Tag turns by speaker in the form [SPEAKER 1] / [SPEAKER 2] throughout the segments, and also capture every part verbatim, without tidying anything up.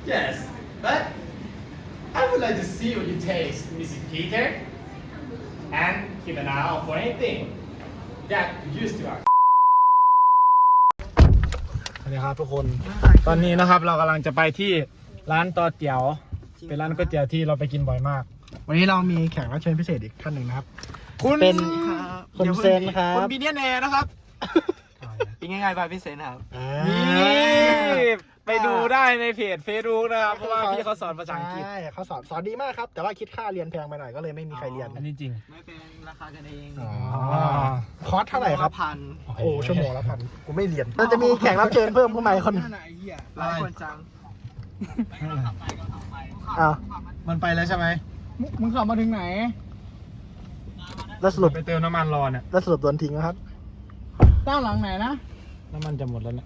[SPEAKER 1] Yes, but I would like to see what you taste, Missus Peter, and keep an eye out for anything that used to our.
[SPEAKER 2] สวัสดีครับทุกคนตอนนี้นะครับเรากำลังจะไปที่ร้านต่อเตี๋ยวเป็นร้านก๋วยเตี๋ยวที่เราไปกินบ่อยมากวันนี้เรามีแขกรับเชิญพิเศษอีกท่านหนึ่งนะครับคุณเป็นคุณเซนครับคุณบีเนียนแอร์นะครับ
[SPEAKER 3] เป็นง่ายๆไปพี่เซนครับ
[SPEAKER 2] นี่ไปดูได้ในเพจเฟซบุ๊กนะครับเพราะว่าพี่เขาสอนภาษาอังกฤษใช่เขาสอนสอนดีมากครับแต่ว่าคิดค่าเรียนแพงไปหน่อยก็เลยไม่มีใครเรียนอันนี้จริง
[SPEAKER 3] ไม่เป็นราคากันเอง
[SPEAKER 2] คอร์สเท่าไหร่ครับ
[SPEAKER 3] พัน
[SPEAKER 2] โอ้ชั่วโมงละพันกูไม่เรียนเราจะมีแขกรับเชิญเพิ่มเข้ามาคน
[SPEAKER 3] หลายคนจัง
[SPEAKER 2] อ้าว
[SPEAKER 4] มันไปแล้วใช่ไหม
[SPEAKER 2] มึงขับมาถึงไหนแล้วสรุปไปเติมน้ำมันรอเนี่ยแล้วสรุปโดนทิ้งนะครับด้านหลังไหนนะน้ำมันจะหมดแล้วเนี่ย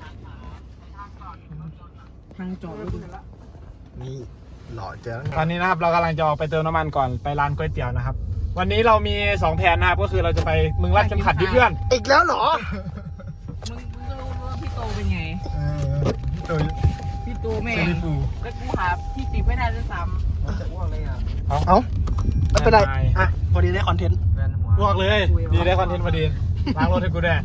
[SPEAKER 3] ทางจอด
[SPEAKER 2] นี่หล่อเจ๋งตอนนี้นะครับเรากำลังจะออกไปเติมน้ำมันก่อนไปร้านก๋วยเตี๋ยวนะครับวันนี้เรามีสองแผนนะครับก็คือเราจะไปมึงรัดเข็มขัดดิเพื่อนอีกแล้วเหรอ
[SPEAKER 3] มึงมึงก็รู้ว่าพี่โตเป็นไง
[SPEAKER 2] เออพี่โต
[SPEAKER 3] พี่โตแม่แล้วกูหาพี่ติ๊บไม่ได้ด้วยซ้ำจะอ้วกเลยอ่ะ
[SPEAKER 2] เอาเอาไม่เป็นไรอ่ะพอดีได้คอนเทนต์อ้วกเลยดีได้คอนเทนต์พอดีล้างรถให้กูได้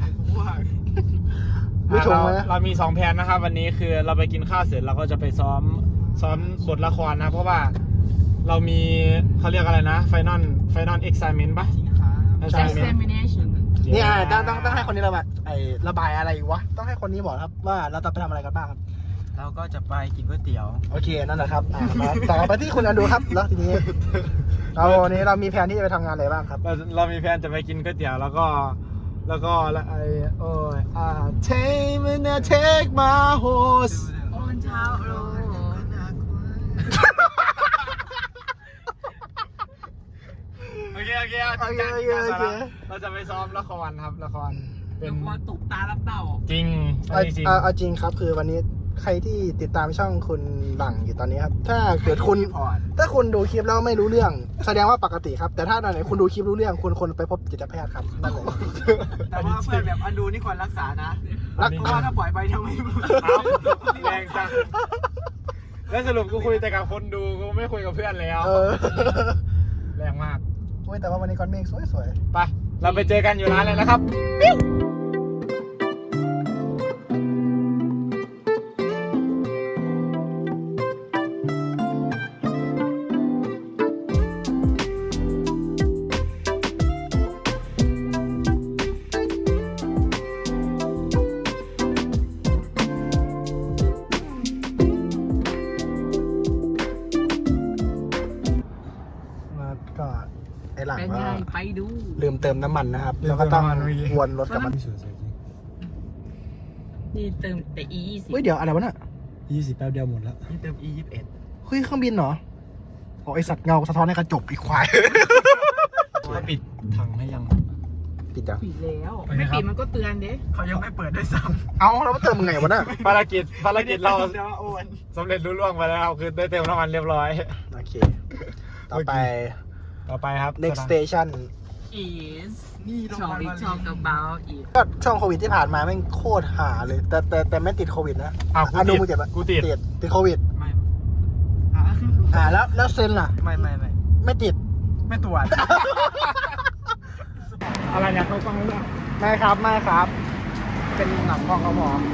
[SPEAKER 2] เราเรามีสองแผนนะครับวันนี้คือเราไปกินข้าวเสร็จเราก็จะไปซ้อมซ้อมบทละครนะเพราะว่าเรามีเขาเรียกอะไรนะไฟนอลไฟนอลเอ็กซ์ไซเมนต์ปะ
[SPEAKER 3] examination
[SPEAKER 2] นี่อ่ะต้องต้องต้องให้คนนี้ระบายไอ้ระบายอะไรวะต้องให้คนนี้บอกครับว่าเราจะไปทำอะไรกันบ้างครับ
[SPEAKER 3] เราก็จะไปกินก๋วยเตี๋ยว
[SPEAKER 2] โอเคนั่นแหละครับอ่าต่อไปที่คุณอันดูครับแล้วทีนี้เราวันนี้เรามีแผนที่จะไปทำงานอะไรบ้างครับเราเรามีแผนจะไปกินก๋วยเตี๋ยวแล้วก็แล้วก็ไอ้โอ้ยอ่า take me now take my horse
[SPEAKER 3] โอนเช้าโล
[SPEAKER 2] โอเคโอเคโอเคโอเคโอเคเราจะไปซ้อมละครครับละคร
[SPEAKER 3] เป็นละครตุกตาลับเต่า
[SPEAKER 2] จริงเอาจริงเอาจริงครับคือวันนี้ใครที่ติดตามช่องคุณหลังอยู่ตอนนี้ครับถ้าเกิดคุณถ้าคุณดูคลิปแล้วไม่รู้เรื่องแสดงว่าปกติครับแต่ถ้าตอนไหนคุณดูคลิปรู้เรื่องคุณคนไปพบจิตแพทย์ครับนั่นเลย
[SPEAKER 3] แต่ว่าเพื่อนแบบอันดูนี่ควรรักษานะเพราะว่าถ้าปล่อยไปทำไม
[SPEAKER 2] แรงจังแล้วสรุปกูคุยแต่กับคนดูกูไม่คุยกับเพื่อนแล้วแรงมากโอ้ยแต่ว่าวันนี้ก้อนเมฆสวยๆไปเราไปเจอกันอยู่ร้านเลยนะครับปิ้วก็ไอหลังว่า
[SPEAKER 3] ไปดู
[SPEAKER 2] ลืมเติมน้ำมันนะครับแล้วก็ต้องวนรถกลับมา
[SPEAKER 3] นี่เติมแต่ อี ยี่สิบ
[SPEAKER 2] เฮ้ยเดี๋ยวอะไรวะน่ะยี่สิบแป๊บเดียวหมดแล้ว
[SPEAKER 3] นี่เติม อี ยี่สิบเอ็ด
[SPEAKER 2] เฮ้ยเครื่องบินเหรอโอ้ไอสัตว์เงาสะท้อนในกระจกอีกควายเขาปิดถังให้ยังปิดยัง
[SPEAKER 3] ปิดแล้วไม่ปิดมันก็เตือนเด้
[SPEAKER 2] เขายังไม่เปิดด้วยซ้ำเอาเราเติมมึงไงวะน่ะภารกิจภารกิจเราสำเร็จรุ่ล่วงไปแล้วคือได้เติมน้ำมันเรียบร้อยโอเคต่อไปต่อไปครับ next station
[SPEAKER 3] is นี่เราไป talk about it
[SPEAKER 2] ก็ช่วงโควิดที่ผ่านมาแม่งโคตรหาเลยแต่แต่แต่ไม่ติดโควิดนะอ่ะดูมึงเจ็บปะกูติดติดโควิด
[SPEAKER 3] ไม่
[SPEAKER 2] อ่าแล้วแล้วเซนล่ะ
[SPEAKER 3] ไม่ไม่ไม่
[SPEAKER 2] ไม่ติด
[SPEAKER 3] ไม่ตรวจ
[SPEAKER 2] อะไรอยากเขาฟังเรื่องไม่ครับไม่ครับเป็นหนังกองกระหม่อม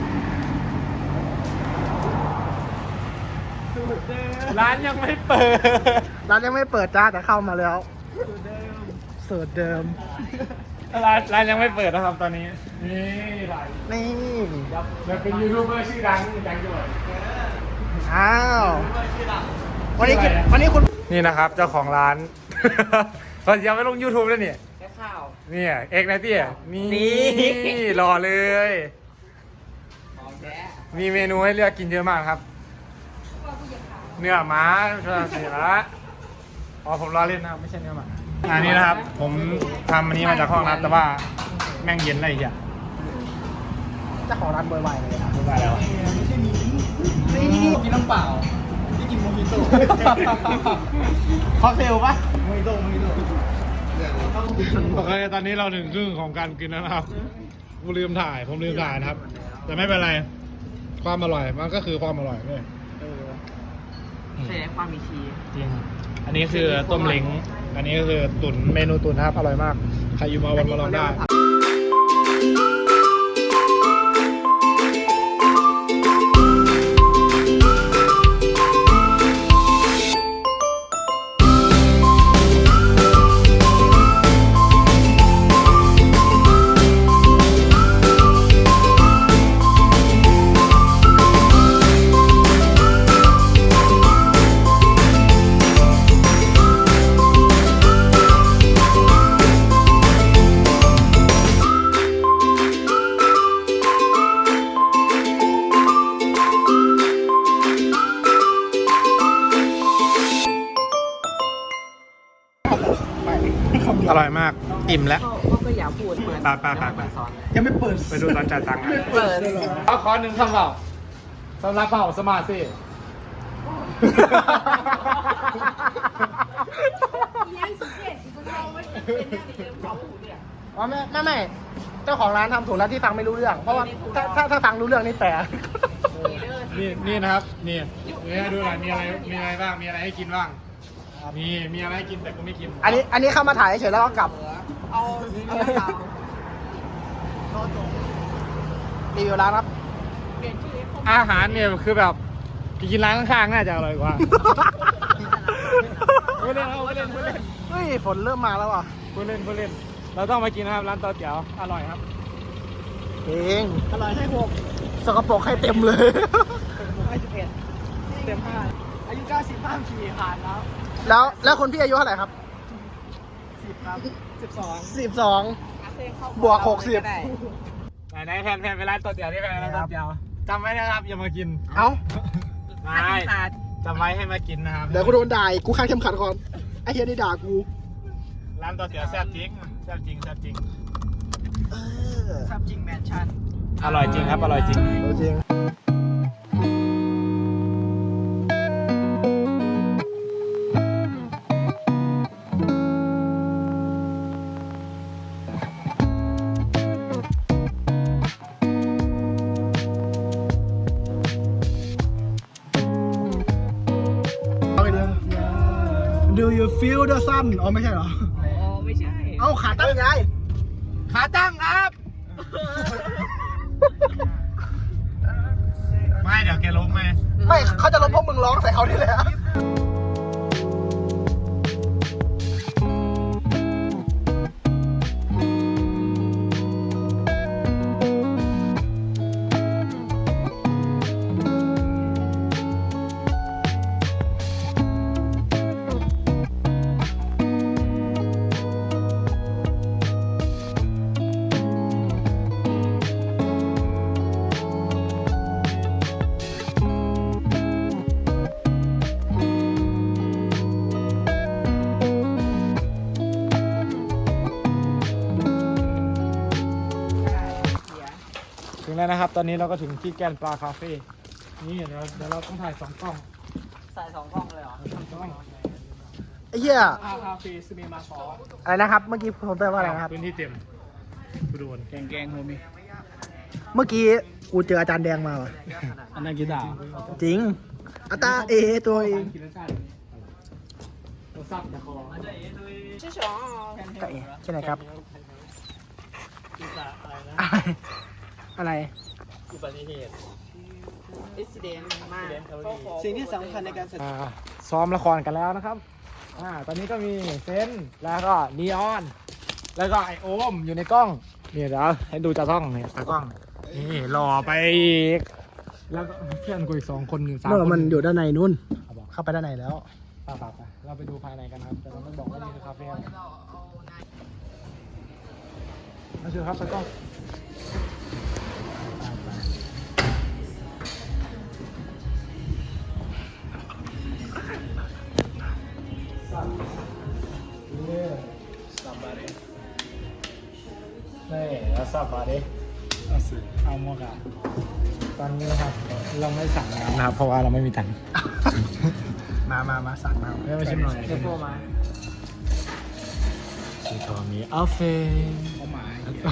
[SPEAKER 2] ร้านยังไม่เปิดร้านยังไม่เปิดจ้าแต่เข้ามาแล้วสูตรเดิมร้านร้านยังไม่เปิดนะครับตอนนี้นี่ร้านนี่เราเป็นยูทูบเบอร์ชื่อดังจังด้วยอ้าววันนี้วันนี้คุณนี่นะครับเจ้าของร้านเรายังไม่ลง ยูทูบ เลยเนี่ย
[SPEAKER 3] แค่ข้าว
[SPEAKER 2] นี่เอกนะพี่นี่รอเลยมีเมนูให้เลือกกินเยอะมากครับเนื้อหมาเสียละอ๋อผมรอเล่นนะครับไม่ใช่เนื้อหมาอันนี้นะครับผมทำอันนี้มาจากห้องรับแต่ว่าแม่งเย็นอะไรอีกอย่างจะขอร้านบวยไวเลยนะบวยไวแล้ว
[SPEAKER 3] นี่กินน้ำเปล่าที่กินโมฮิโต้
[SPEAKER 2] ค็อกเทลปะ
[SPEAKER 3] โมฮิโต้โมฮิโต้
[SPEAKER 2] โอเคตอนนี้เราถึงครึ่งของการกินแล้วนะครับผมลืมถ่ายผมลืมถ่ายนะครับแต่ไม่เป็นไรความอร่อยมันก็คือความอร่อยเลย
[SPEAKER 3] ความมีชี
[SPEAKER 2] จริงอันนี้คือต้มเล้งอันนี้ก็คือตุ๋นเมนูตุ๋นนะครับอร่อยมากใครอยู่มาวันมาลองได้อร่อยมากอิ่มแล้ว
[SPEAKER 3] ก็ก็อย่าพูดเปิด
[SPEAKER 2] ไปไปไปไป
[SPEAKER 3] สอน
[SPEAKER 2] ยังไม่เปิดไปดูตอนจ่ายตังค์
[SPEAKER 3] เปิด
[SPEAKER 1] เอาขอหนึ่งคำเปล่าสำหรับเปล่าสมาธิ
[SPEAKER 2] อ๋อไม่ไม่ไม่เจ้าของร้านทำถูกแล้วที่ฟังไม่รู้เรื่อง เพราะว่าถ้าถ้าถ้าฟังรู้เรื่องนี่แต่
[SPEAKER 1] นี่นี่นะครับนี่นี่ให้ดูหน่อยมีอะไรมีอะไรบ้างมีอะไรให้กินบ้างมีมีอะไรให้กินแต่กูไม่กิน
[SPEAKER 2] อันนี้อันนี้เข้ามาถ่ายเฉยแล้วก็กลับ
[SPEAKER 3] เอาเอาเตา
[SPEAKER 2] รีวิวร้านครับ
[SPEAKER 3] เปลี่ยนชื่อให้ครบ
[SPEAKER 1] อาหารเนี่ยคือแบบกินร้านข้างๆน่าจะอร่อยกว่าไม่เล่นเอาไม่เล่นไม่เล่น
[SPEAKER 2] เฮ้ยฝนเริ่มมาแล้วอ่ะ
[SPEAKER 1] ไม่เล่นไม่เล่นเราต้องมากินนะครับร้านต่อเตี๋ยวอร่อยครับ
[SPEAKER 2] เองอร่อยให้หกสกปรกให้เต็มเลย
[SPEAKER 3] ให้สิบเอ็ดเต็มห้าอายุเก้าสิบห้าขี่ผ่านแล้ว
[SPEAKER 2] แล้วแล้วคนพี่อายุเท่าไหร่ครับ
[SPEAKER 3] สิบครับสิบสอง
[SPEAKER 2] สิบสอง บวกหกสิบ
[SPEAKER 1] ไหนไหนแพนแพนไปร้านต่อเตี๋ยวที่แพนร้านต่อเตี๋ยวจำไว้นะครับอย่ามากิน
[SPEAKER 2] เอ้า
[SPEAKER 1] ไม่จำไว้ให้มากินนะครับ
[SPEAKER 2] เดี๋ยวกูโดนด่าอีกกูข้างเข้มขัดก่อนไอ้เฮียนี่ด่ากู
[SPEAKER 1] ร้านต่อเตี๋ยวแซ่บจริงแซ่บจริงแซ่บจริง
[SPEAKER 2] เออ
[SPEAKER 3] ครับจริงแมนชั่น
[SPEAKER 1] อร่อยจริงครับอร่อยจริง
[SPEAKER 2] จริงDo you feel the sun อ๋อไม่ใช่เหรอ
[SPEAKER 3] อ๋อไม่ใช่
[SPEAKER 2] เอ้าขาตั้งไง
[SPEAKER 1] ขาตั้งครับ ไม่เดี๋ยวแกล้มไหม
[SPEAKER 2] ไม่เขาจะลบพวกมึงร้องใส่เขาที่แหละ
[SPEAKER 1] ถึงแล้วนะครับ ตอนนี้เราก็ถึงที่แกนปลาคาเฟ่นี่เดี๋ยวเดี๋ยวเราต้องถ่ายสองกล้อง
[SPEAKER 3] ใส่สองกล้องเลยเหรอ
[SPEAKER 1] สองกล้อง
[SPEAKER 2] ไอ้เหี้ย
[SPEAKER 1] ปลาคาเฟ่ซูเมมาซอ
[SPEAKER 2] อะไรนะครับ เมื่อกี้ผมเตือนว่าอะไรนะครับ
[SPEAKER 1] พื้นที่เต็มกูโดน
[SPEAKER 3] แกงแกงโฮมี่
[SPEAKER 2] เมื่อกี้กูเจออาจารย์แดงมาว่ะ
[SPEAKER 3] อันนั้นกีตาร์
[SPEAKER 2] จริงอาตาเอตัวเอง
[SPEAKER 1] กินแล้วใช่ตัวซับแต่คอ
[SPEAKER 3] ชื่อสอง
[SPEAKER 2] ตาเอใช่ไหมครับ
[SPEAKER 1] กีตาร์อะไรนะ
[SPEAKER 2] อะไรอะไร
[SPEAKER 1] อุบัติเหตุ
[SPEAKER 3] อิสเดนมากสิ่งที่สำคัญในการแสดง
[SPEAKER 1] อ่าซ้อมละครกันแล้วนะครับอ่าตอนนี้ก็มีเซนแล้วก็นีออน แล้วก็ไอโอมอยู่ในกล้องเนี่ยเดี๋ยวให้ดูจากกล้องเนี่ยจากกล้องนี่หล่อไปอีกแล้วก็เพื่อนกูอีกสองคนหนึ่งสาม
[SPEAKER 2] เมื่อ
[SPEAKER 1] คน
[SPEAKER 2] มันอยู่ด้านในนู่น
[SPEAKER 1] เอาบอก
[SPEAKER 2] เข้าไปด้านในแล้ว
[SPEAKER 1] ไปไปไปเราไปดูภายในกันครับแต่เราไม่บอกว่านี่คือคาเฟ่อะไรมาเชิญครับตากล้องนี่แล้วสับมาดิเอาสิเอาโมกะตอนนี้นะครับเราไม่สั่งน้ำนะครับเพราะว่าเราไม่มีตังค์
[SPEAKER 2] มามามาสั่งมา
[SPEAKER 1] ไม่มาชิมหน่อย
[SPEAKER 3] เดี๋ยวโทรมา
[SPEAKER 1] ชิโตมีอัลเฟน
[SPEAKER 3] เขาหมาย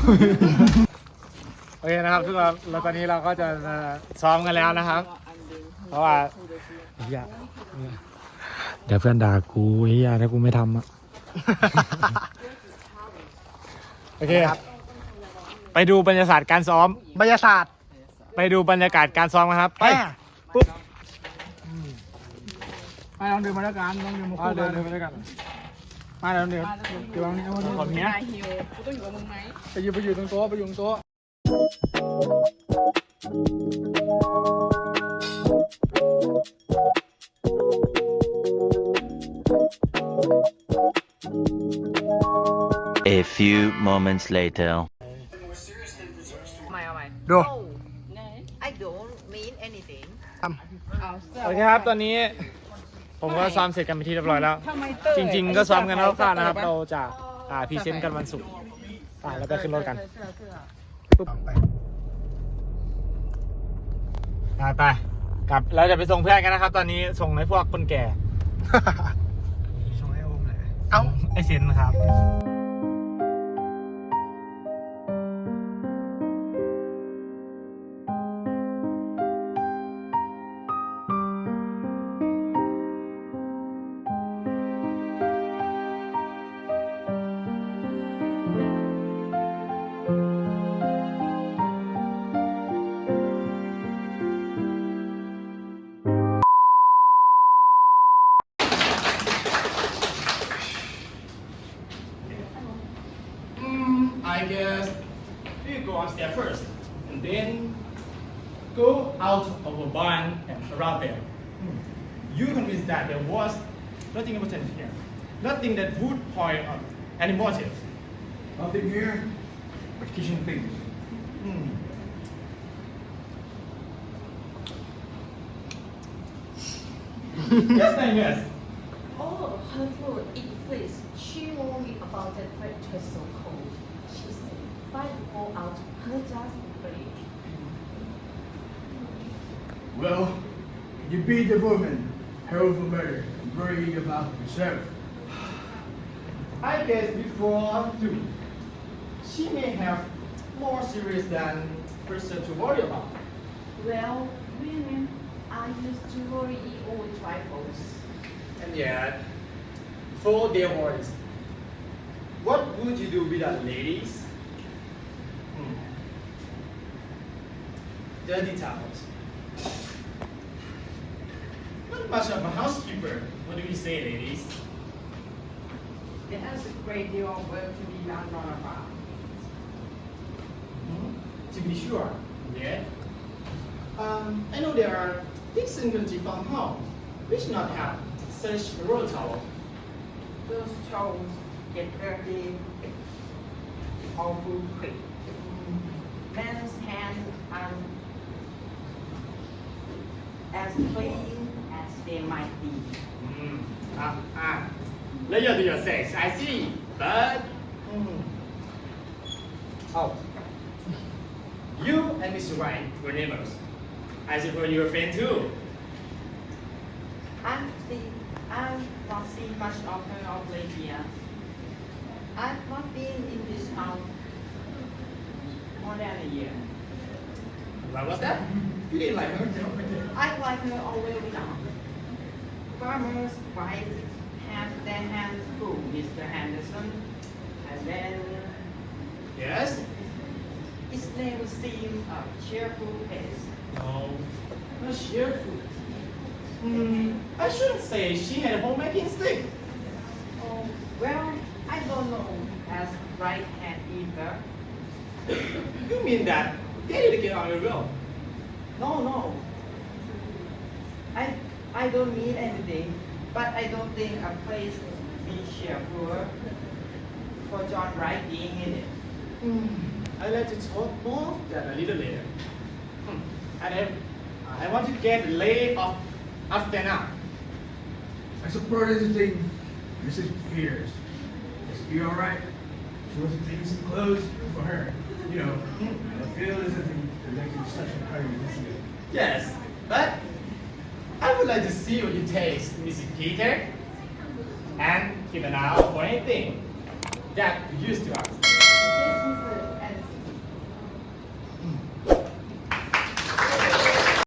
[SPEAKER 1] โอเคนะครับทุกคนแล้วตอนนี้เราก็จะซ้อมกันแล้วนะครับ เพราะว่าอย่าเดี๋ยวเพื่อนด่ากูเฮียถ้ากูไม่ทำอ่ะ โอเคครับ ไปดูบรรยากาศการซ้อม
[SPEAKER 2] บรรยากาศ
[SPEAKER 1] ไปดูบรรยากาศการซ้อมกันครับ ไป
[SPEAKER 2] แม่
[SPEAKER 1] ปุ๊บ
[SPEAKER 2] ไปลองดื่มมาแล้วกันลองดื่มมา
[SPEAKER 1] อ่า
[SPEAKER 2] คู่
[SPEAKER 1] เดิ
[SPEAKER 2] กัน น
[SPEAKER 1] เดินไปด้วยกัน
[SPEAKER 2] มาเดี๋ยวเดี๋ยวเดี๋ยววันนี้วันนี้
[SPEAKER 1] ขอบคุณ
[SPEAKER 3] นายฮิวกูต้องอยู่กับมึงไหม
[SPEAKER 2] ไปอยู่ไปอยู่ตรงโต๊ะไปอยู่ตรงโต๊ะ
[SPEAKER 4] A few moments later.
[SPEAKER 3] ทำไมเอาไหม
[SPEAKER 2] ดู
[SPEAKER 5] I don't mean anything.
[SPEAKER 3] เอาเสื้อ
[SPEAKER 1] โอเคครับ ตอนนี้ ผมก็ซ้อมเสร็จกันไปนที่เรียบร้อยแล้ว
[SPEAKER 3] ทำไมเตอร์
[SPEAKER 1] จริง ๆ ก็ซ้อมกันแล้วคร่าวๆนะครับ เราจะอ่าพรีเซนต์กันวันศุกร์อ่าแล้วไปขึ้นรถกัน
[SPEAKER 3] เสื้อเสื้อ
[SPEAKER 1] ไปไปกลับเราจะไปส่งเพื่อนกันนะครับ ตอนนี้ส่งให้พวกคนแก่
[SPEAKER 2] ส่งให้โอมเลยเอ้า
[SPEAKER 1] ไอเซนนะครับ I guess you go upstairs first, and then go out of a barn and around there. You convinced that there was nothing important here, nothing that would point out any motive.
[SPEAKER 6] Nothing here but kitchen things.
[SPEAKER 1] Hmm. Yes, ma'am, yes.
[SPEAKER 5] Oh, her food, it freeze. She warned me about that breakfast so cold. She said, if I go out, her just break.
[SPEAKER 6] Well, you beat the woman, hell for murder, and worry about yourself.
[SPEAKER 1] I guess before too, she may have more serious than person to worry about.
[SPEAKER 5] Well, women are used to worry over trifles.
[SPEAKER 1] And yet, for their worries, what would you do without ladies? Hmm. Dirty towels. Not much of a housekeeper. What do you say, ladies?
[SPEAKER 3] There's a great deal of work to be done on a farm.
[SPEAKER 1] Hmm? To be sure. Yeah. Um, I know there are decent country farmhouse which not have such a roll towel.
[SPEAKER 3] Those towels get dirty awful quick. Men's hands are as clean as they might be.
[SPEAKER 1] Hmm. Ah, ah. Loyal to your sex, I see. But. Hmm. Oh. You and Mister White were neighbors. I suppose you were friends too.
[SPEAKER 3] I've seen, I've not seen much of her of late years. I've not been in this town more than a year.
[SPEAKER 1] What was that? You didn't like her?
[SPEAKER 3] I like her all the way down. Farmers' wives have their hands full, Mister Henderson. And then
[SPEAKER 1] Yes?
[SPEAKER 3] his name seemed a cheerful face.
[SPEAKER 1] No. Not cheerful. Hmm. I shouldn't say she had a homemaking instinct.
[SPEAKER 3] Oh, well, I don't know as right hand either.
[SPEAKER 1] You mean that they didn't get on your will?
[SPEAKER 3] No, no. I I don't mean anything, but I don't think a place be cheerful for John Wright being in it.
[SPEAKER 1] Hmm. I'd like to talk more than a little later. Hmm. And I, I want to get laid off after now.
[SPEAKER 6] I support anything Missus Peters. Is she alright? She wants to take some clothes for her. You know, I feel as if they're making such a party this year.
[SPEAKER 1] Yes, but I would like to see what you taste, Missus Peter, and keep an eye out for anything that you used to us.